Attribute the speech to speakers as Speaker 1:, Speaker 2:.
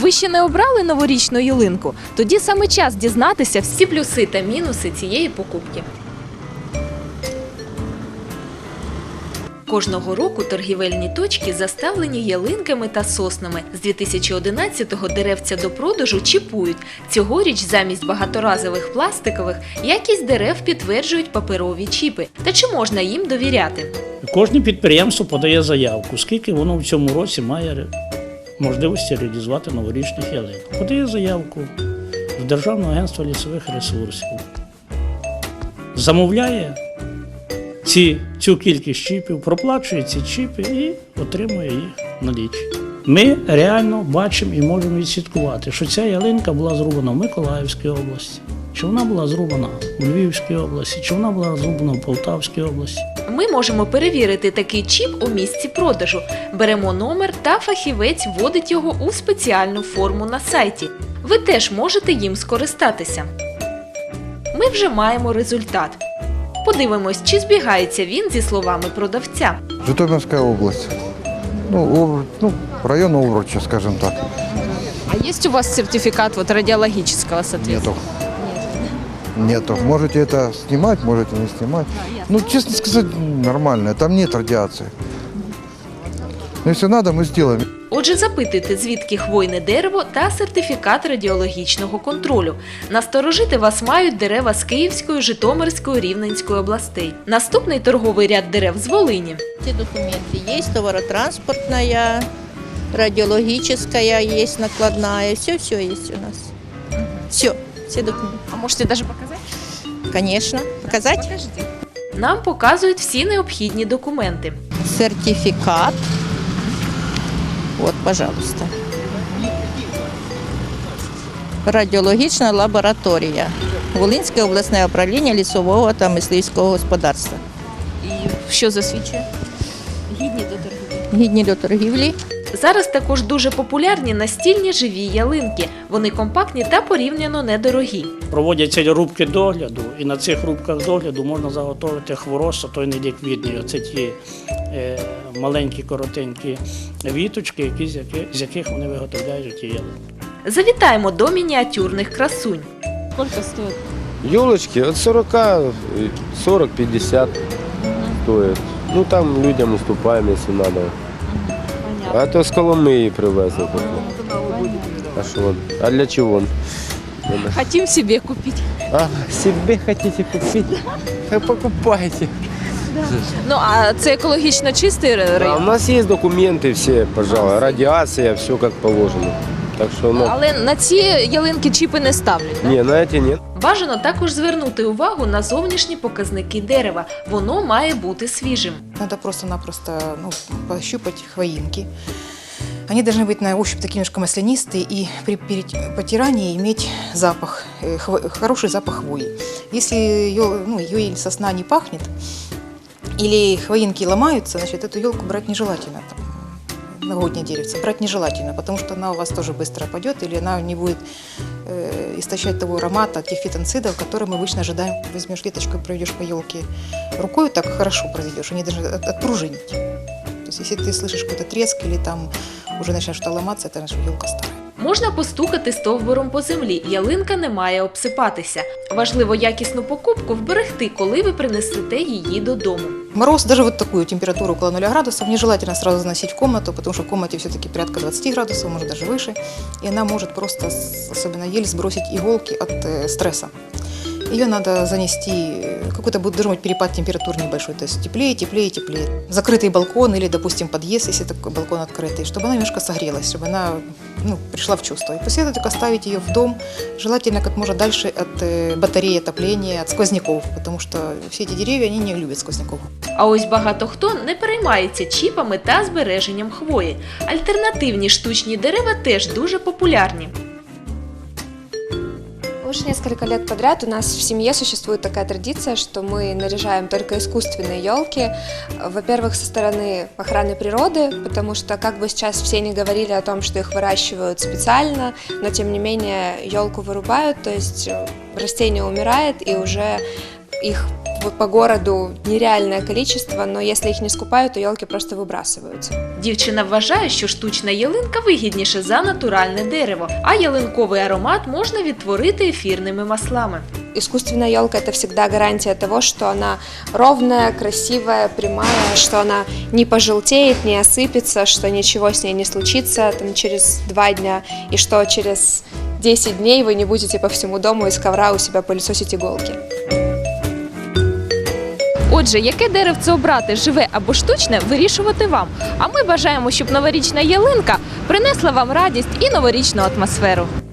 Speaker 1: Ви ще не обрали новорічну ялинку? Тоді саме час дізнатися всі плюси та мінуси цієї покупки. Кожного року торгівельні точки заставлені ялинками та соснами. З 2011-го деревця до продажу чіпують. Цьогоріч замість багаторазових пластикових якість дерев підтверджують паперові чіпи. Та чи можна їм довіряти?
Speaker 2: Кожне підприємство подає заявку, скільки воно в цьому році має можливості реалізувати новорічних ялинок. Подає заявку в Державне агентство лісових ресурсів. Замовляє цю кількість чіпів, проплачує ці чіпи і отримує їх налічі. Ми реально бачимо і можемо відслідкувати, що ця ялинка була зрубана в Миколаївській області, чи вона була зрубана у Львівській області, чи вона була зрубана в Полтавській області.
Speaker 1: Ми можемо перевірити такий чіп у місці продажу. Беремо номер та фахівець вводить його у спеціальну форму на сайті. Ви теж можете їм скористатися. Ми вже маємо результат. Подивимось, чи збігається він зі словами продавця.
Speaker 3: Житомирская область. Район Овруча, скажем так.
Speaker 1: А есть у вас сертификат радиологического соответствия?
Speaker 3: Нету. Можете это снимать, можете не снимать. Честно сказать, нормально. Там нет радиации. Но если надо, мы сделаем.
Speaker 1: Отже, запитуйте, звідки хвойне дерево та сертифікат радіологічного контролю. Насторожити вас мають дерева з Київської, Житомирської, Рівненської областей. Наступний торговий ряд дерев з Волині.
Speaker 4: Все документы есть, товаротранспортная, радиологическая есть, накладная, все есть у нас. Все документы.
Speaker 1: А можете навіть показати?
Speaker 4: Конечно. Показать?
Speaker 1: Нам показують всі необхідні документи.
Speaker 4: Сертификат. Вот, пожалуйста. Радіологічна лабораторія. Волинське обласне управління лісового та мисливського господарства.
Speaker 1: І що засвідчує?
Speaker 4: Гідні до торгівлі.
Speaker 1: Зараз також дуже популярні настільні живі ялинки. Вони компактні та порівняно недорогі.
Speaker 2: Проводяться рубки догляду, і на цих рубках догляду можна заготовити хворост, той неліквідний. Оце ті маленькі, коротенькі віточки, з яких вони виготовляють ті ялинки.
Speaker 1: Завітаємо до мініатюрних красунь.
Speaker 5: Сколько стоит?
Speaker 6: Елочки от 40-50 стоят. Там людям уступаем, если надо. А то с Коломиї привезли. А что? А для чего?
Speaker 5: Хотим себе купить.
Speaker 6: Себе хотите купить? Покупайте.
Speaker 1: А це екологічно чистий
Speaker 6: У
Speaker 1: район?
Speaker 6: нас есть документы все, пожалуй, радиация, все как положено. Так что,
Speaker 1: Але на ці ялинки чіпи не ставлять, так?
Speaker 6: не, на эти нет.
Speaker 1: Бажано також звернути увагу на зовнішні показники дерева. Воно має бути свіжим.
Speaker 7: Надо просто-напросто пощупать хвоинки. Они должны быть на ощупь такие немножко маслянистые и при потирании иметь запах, хороший запах хвои. Если ее или сосна не пахнет, или хвоинки ломаются, значит, эту елку брать нежелательно. Новогоднее деревце брать нежелательно, потому что она у вас тоже быстро опадет, или она не будет истощать того аромата, тех фитонцидов, которые мы обычно ожидаем. Возьмешь веточку и проведешь по елке рукой, так хорошо проведешь, они должны отпружинить. То есть, если ты слышишь какой-то треск или там уже начинает что-то ломаться, это значит, елка старая.
Speaker 1: Можна постукати стовбуром по землі, ялинка не має обсипатися. Важливо якісну покупку вберегти, коли ви принесете її додому.
Speaker 7: Мороз, даже вот такую температуру около 0 градусов, нежелательно сразу заносить в комнату, потому что в комнате все-таки порядка 20 градусов, может даже выше, и она может просто, особенно ель, сбросить иголки от стресса. Ее надо занести, какой-то должен быть перепад температур небольшой, то есть теплее, теплее, теплее. Закрытый балкон или, допустим, подъезд, если такой балкон открытый, чтобы она немножко согрелась, чтобы она пришла в чувство. И после этого только ставить ее в дом, желательно как можно дальше от батареи отопления, от сквозняков, потому что все эти деревья, они не любят сквозняков.
Speaker 1: А ось багато хто не переймається чіпами та збереженням хвої. Альтернативні штучні дерева теж дуже популярні.
Speaker 8: Уже несколько лет подряд у нас в семье существует такая традиция, что мы наряжаем только искусственные елки. Во-первых, со стороны охраны природы, потому что, как бы сейчас все не говорили о том, что их выращивают специально, но тем не менее елку вырубают, то есть растение умирает и уже их по городу нереальное количество, но если их не скупают, то елки просто выбрасываются.
Speaker 1: Дівчина вважає, що штучна ялинка вигідніше за натуральне дерево, а ялинковий аромат можна відтворити ефірними маслами.
Speaker 8: Искусственная елка – это всегда гарантия того, что она ровная, красивая, прямая, что она не пожелтеет, не осыпется, что ничего с ней не случится там, через 2 дня, и что через 10 дней вы не будете по всему дому из ковра у себя пылесосить иголки.
Speaker 1: Отже, яке деревце обрати, живе або штучне, вирішувати вам. А ми бажаємо, щоб новорічна ялинка принесла вам радість і новорічну атмосферу.